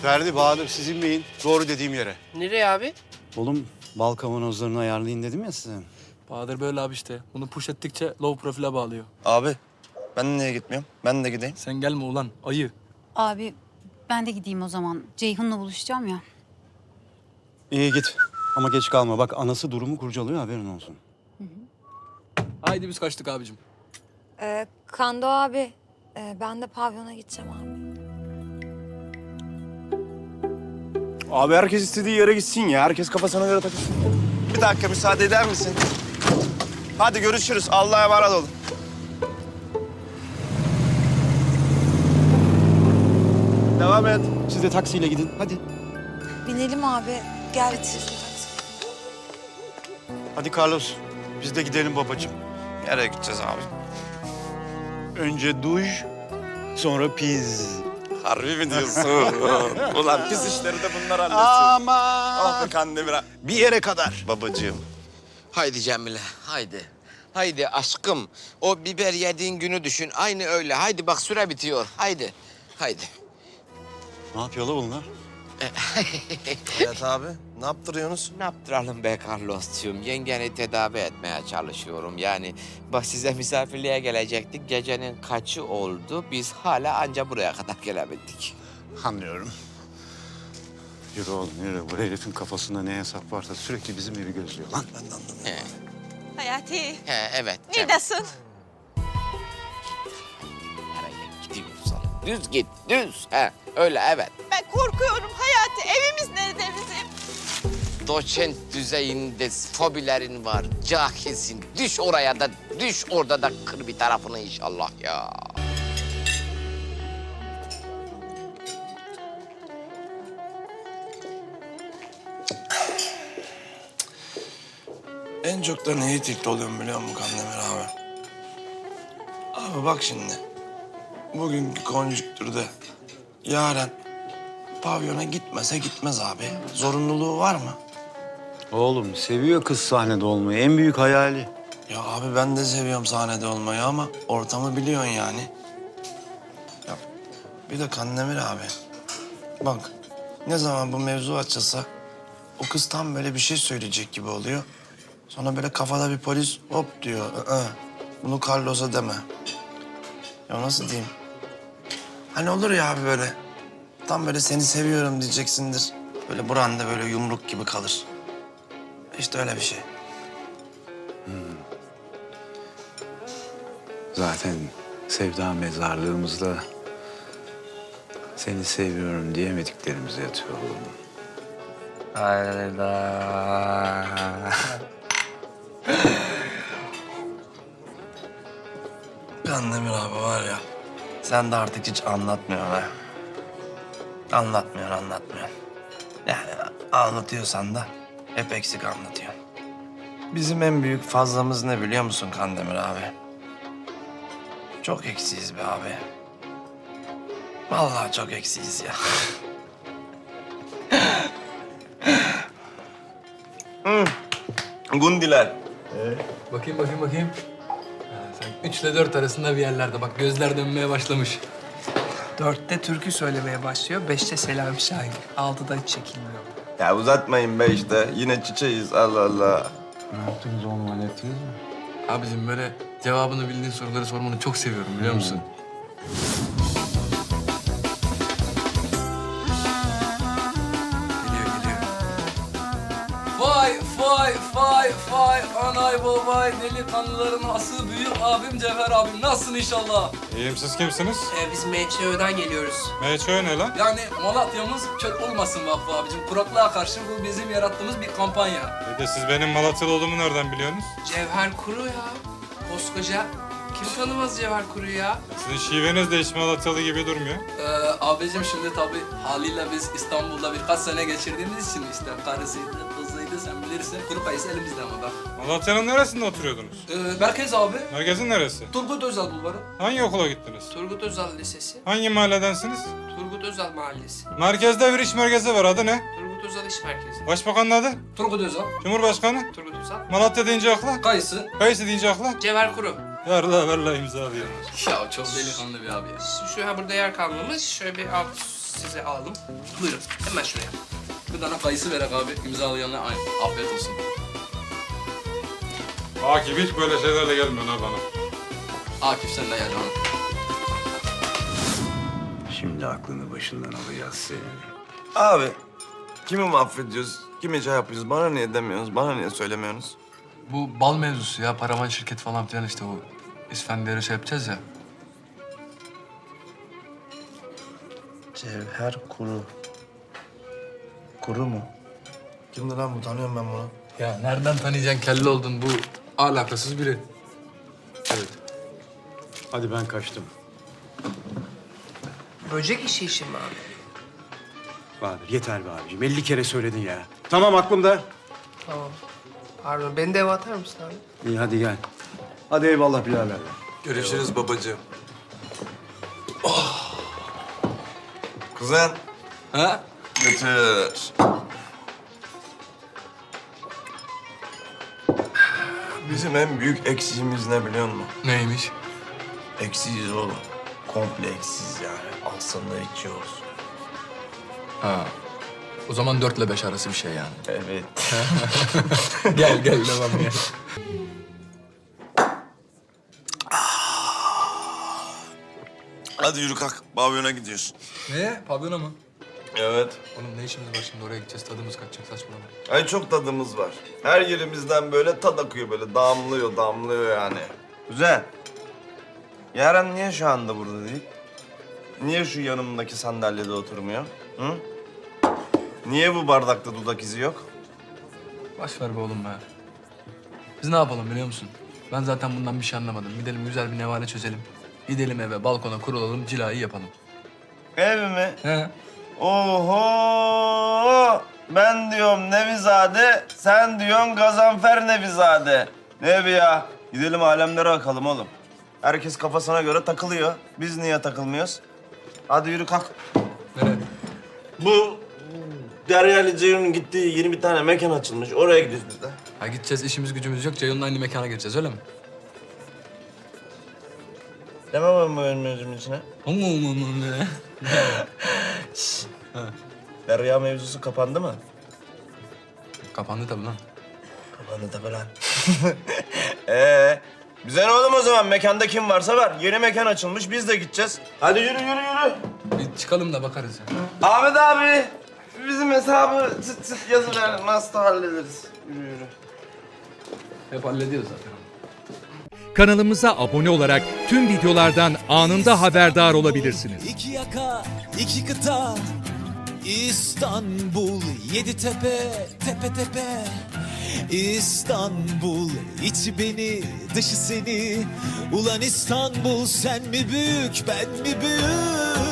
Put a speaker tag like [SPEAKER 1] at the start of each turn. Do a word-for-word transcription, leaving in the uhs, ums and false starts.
[SPEAKER 1] Ferdi, Bahadır siz inmeyin. Doğru dediğim yere.
[SPEAKER 2] Nereye abi?
[SPEAKER 1] Oğlum bal kavanozlarını ayarlayın dedim ya size.
[SPEAKER 3] Bahadır böyle abi işte. Bunu push ettikçe low profile bağlıyor.
[SPEAKER 4] Abi ben niye gitmiyorum? Ben de gideyim.
[SPEAKER 3] Sen gelme ulan ayı.
[SPEAKER 5] Abi ben de gideyim o zaman. Ceyhun'la buluşacağım ya.
[SPEAKER 1] İyi git. Ama geç kalma. Bak anası durumu kurcalıyor, haberin olsun.
[SPEAKER 3] Haydi biz kaçtık abicim.
[SPEAKER 6] Ee, Kando abi, e, ben de pavyona gideceğim abi.
[SPEAKER 7] Abi herkes istediği yere gitsin ya. Herkes kafasına göre takılsın.
[SPEAKER 4] Bir dakika müsaade eder misin? Hadi görüşürüz. Allah'a emanet olun.
[SPEAKER 1] Devam et. Siz de taksiyle gidin. Hadi.
[SPEAKER 6] Binelim abi. Gel.
[SPEAKER 1] Hadi Carlos. Biz de gidelim babacığım.
[SPEAKER 4] Nereye gideceğiz abi?
[SPEAKER 1] Önce duş, sonra piz.
[SPEAKER 4] Harbi mi diyorsun? Ulan pis işleri de bunlar halletsin.
[SPEAKER 1] Aman.
[SPEAKER 4] Ah be Kandemir.
[SPEAKER 1] Bir yere kadar.
[SPEAKER 4] Babacığım.
[SPEAKER 2] Haydi Cemile, haydi. Haydi aşkım. O biber yediğin günü düşün. Aynı öyle. Haydi bak süre bitiyor. Haydi. Haydi.
[SPEAKER 1] Ne yapıyor la bunlar?
[SPEAKER 4] Evet abi. Ne yaptırıyorsunuz?
[SPEAKER 2] Ne yaptıralım be Carlos'cığım? Yengeni tedavi etmeye çalışıyorum. Yani bak size misafirliğe gelecektik. Gecenin kaçı oldu? Biz hala anca buraya kadar gelebildik.
[SPEAKER 1] Anlıyorum. Yürü oğlum yürü. Bu herifin kafasında ne hesap varsa sürekli bizim evi gözlüyor lan.
[SPEAKER 4] Ben de anlamıyorum.
[SPEAKER 2] He,
[SPEAKER 8] Hayati,
[SPEAKER 2] he evet. Cem.
[SPEAKER 8] neredesin?
[SPEAKER 2] Nereye gideyim sana? Düz git, düz. He, öyle evet.
[SPEAKER 8] Ben korkuyorum Hayati. Evimiz nerede bizim?
[SPEAKER 2] Doçent düzeyinde fobilerin var. Cahilsin. Düş oraya da, düş orada da kır bir tarafını inşallah ya.
[SPEAKER 4] En çok da neye tilt oluyorum biliyor musun Kandemir abi? Abi bak şimdi. Bugünkü konjüktürde Yaren pavyona gitmese gitmez abi. Zorunluluğu var mı?
[SPEAKER 1] Oğlum seviyor kız sahnede olmayı. En büyük hayali.
[SPEAKER 4] Ya abi ben de seviyorum sahnede olmayı ama ortamı biliyorsun yani. Ya bir de Kandemir abi. Bak ne zaman bu mevzu açılsa o kız tam böyle bir şey söyleyecek gibi oluyor. Sonra böyle kafada bir polis hop diyor. Aa, bunu Carlos'a deme. Ya nasıl diyeyim? Hani olur ya abi böyle. Tam böyle seni seviyorum diyeceksindir. Böyle buranda böyle yumruk gibi kalır. İşte öyle bir şey.
[SPEAKER 9] Zaten sevda mezarlığımızda seni seviyorum diyemediklerimiz yatıyor oğlum.
[SPEAKER 4] Hayda. Kandemir abi var ya, sen de artık hiç anlatmıyorsun ha. Anlatmıyorsun, anlatmıyorsun. Yani anlatıyorsan da hep eksik anlatıyorsun. Bizim en büyük fazlamız ne biliyor musun Kandemir abi? Çok eksiyiz be abi. Vallahi çok eksiyiz ya. hmm. Gundiler.
[SPEAKER 3] Bakayım bakayım bakayım. Ha, sen üçle dört arasında bir yerlerde. Bak gözler dönmeye başlamış.
[SPEAKER 10] Dörtte türkü söylemeye başlıyor, beşte Selami Şahin. Altıda hiç çekilmiyor.
[SPEAKER 4] Ya uzatmayın be işte. Yine çiçeğiz Allah Allah.
[SPEAKER 9] Ne yaptınız oğlum, hallettiniz mi?
[SPEAKER 3] Abicim böyle cevabını bildiğin soruları sormanı çok seviyorum biliyor musun? Geliyor geliyor. Vay vay vay vay anay babay delikanlıların ası büyük abim Cevher abim. Nasılsın inşallah?
[SPEAKER 11] İyiyim, siz kimsiniz?
[SPEAKER 10] Ee, biz M Ç Ö'den geliyoruz.
[SPEAKER 11] M Ç Ö ne lan?
[SPEAKER 3] Yani Malatya'mız çöl olmasın Vakfı abicim. Kuraklığa karşı bu bizim yarattığımız bir kampanya.
[SPEAKER 11] Bir de siz benim Malatyalı olduğumu nereden biliyorsunuz?
[SPEAKER 10] Cevher Kuru ya. Koskoca. Kim tanımaz Cevher Kuru'yu ya?
[SPEAKER 11] Sizin şiveniz de hiç Malatyalı gibi durmuyor.
[SPEAKER 3] Ee, abicim şimdi tabii haliyle biz İstanbul'da birkaç sene geçirdiğimiz için işte karısıydı, kızıydı sen bilirsin. Kuru kayısı elimizde ama bak.
[SPEAKER 11] Malatya'nın neresinde oturuyordunuz?
[SPEAKER 3] Ee, merkez abi.
[SPEAKER 11] Merkezin neresi?
[SPEAKER 3] Turgut Özal Bulvarı.
[SPEAKER 11] Hangi okula gittiniz?
[SPEAKER 10] Turgut Özal Lisesi.
[SPEAKER 11] Hangi mahalledensiniz?
[SPEAKER 10] Turgut Özal Mahallesi.
[SPEAKER 11] Merkezde bir iş merkezi var, adı ne?
[SPEAKER 10] Turgut Özal İş Merkezi.
[SPEAKER 11] Başbakanın adı?
[SPEAKER 3] Turgut Özal.
[SPEAKER 11] Cumhurbaşkanı?
[SPEAKER 10] Turgut Özal.
[SPEAKER 11] Malatya deyince akla?
[SPEAKER 3] Kayısı.
[SPEAKER 11] Kayısı deyince akla?
[SPEAKER 10] Cevher Kuru.
[SPEAKER 11] Ver la ver la imza diyor.
[SPEAKER 3] Ya çok delikanlı bir abi ya.
[SPEAKER 10] Şu, şu ha burada yer kalmamış. Şöyle bir alt size alalım. Buyurun hemen şuraya.
[SPEAKER 3] Bir tane kayısı verek abi. İmzalayanlar aynı. Afiyet olsun.
[SPEAKER 11] Akif hiç böyle şeylerle gelmiyor ha bana.
[SPEAKER 3] Akif sen de gel canım.
[SPEAKER 9] Şimdi aklını başından alacağız senin.
[SPEAKER 4] Abi kimi mahvediyoruz? Kimi şey yapıyoruz? Bana niye demiyorsunuz? Bana niye söylemiyorsunuz?
[SPEAKER 3] Bu bal mevzusu ya. Paravan şirket falan filan işte o. İsfendiyar'ı şey yapacağız ya.
[SPEAKER 4] Cevher Kuru. Kuru mu? Kimdi lan bu? Tanıyorum ben bunu.
[SPEAKER 3] Ya nereden tanıyacaksın kelle oldun bu alakasız biri. Evet.
[SPEAKER 1] Hadi ben kaçtım.
[SPEAKER 10] Böcek işi işi mi abi?
[SPEAKER 1] Bahadır yeter be abicim. elli kere söyledin ya. Tamam aklımda.
[SPEAKER 10] Tamam. Pardon, beni de eve atar mısın abi?
[SPEAKER 1] İyi hadi gel. Hadi eyvallah birader.
[SPEAKER 4] Görüşürüz babacığım. Kuzen.
[SPEAKER 3] Ha?
[SPEAKER 4] Götür. Bizim en büyük eksiğimiz ne biliyor musun?
[SPEAKER 3] Neymiş?
[SPEAKER 4] Eksiyiz oğlum. Komple eksiyiz yani. Aslında içiyoruz.
[SPEAKER 3] Ha. O zaman dörtle beş arası bir şey yani.
[SPEAKER 4] Evet.
[SPEAKER 3] Gel gel devam gel.
[SPEAKER 4] Hadi yürü kalk. Pavyona gidiyorsun.
[SPEAKER 3] Ne? Pavyona mı?
[SPEAKER 4] Evet.
[SPEAKER 3] Oğlum ne işimiz var şimdi oraya gideceğiz tadımız kaçacak saçmalama.
[SPEAKER 4] Ay çok tadımız var. Her yerimizden böyle tad akıyor böyle. Damlıyor, damlıyor yani. Güzel. Yaren niye şu anda burada değil? Niye şu yanımdaki sandalyede oturmuyor? Hı? Niye bu bardakta dudak izi yok?
[SPEAKER 3] Baş ver be oğlum be. Biz ne yapalım biliyor musun? Ben zaten bundan bir şey anlamadım. Gidelim güzel bir nevale çözelim. Gidelim eve balkona kurulalım cilayı yapalım.
[SPEAKER 4] Ev mi?
[SPEAKER 3] He?
[SPEAKER 4] Oho! Ben diyorum Nevizade, sen diyorsun Gazanfer Nevizade. Ne evi ya? Gidelim alemlere bakalım oğlum. Herkes kafasına göre takılıyor. Biz niye takılmıyoruz? Hadi yürü kalk.
[SPEAKER 3] Nereye?
[SPEAKER 4] Bu Derya ile Ceyhun'un gittiği yeni bir tane mekan açılmış. Oraya gidiyoruz biz de.
[SPEAKER 3] Ha gideceğiz işimiz gücümüz yok. Ceyhun'la aynı mekana gireceğiz öyle mi?
[SPEAKER 4] Demem ben bu önümüzün içine.
[SPEAKER 3] Aman aman ne?
[SPEAKER 4] Derya mevzusu kapandı mı?
[SPEAKER 3] Kapandı tabii lan.
[SPEAKER 4] Kapandı tabii lan. Ee, bize ne oğlum o zaman? Mekanda kim varsa var. Yeni mekan açılmış. Biz de gideceğiz. Hadi yürü yürü yürü.
[SPEAKER 3] Bir çıkalım da bakarız ya.
[SPEAKER 4] Ahmet abi, bizim hesabı çıt çıt yazıver. Nasıl hallederiz? Yürü yürü.
[SPEAKER 3] Hep hallediyoruz zaten.
[SPEAKER 12] Kanalımıza abone olarak tüm videolardan anında haberdar olabilirsiniz.
[SPEAKER 13] İki yaka, iki kıta, İstanbul, yedi tepe, tepe tepe. İstanbul, içi beni, dışı seni. Ulan İstanbul, sen mi büyük, ben mi büyük?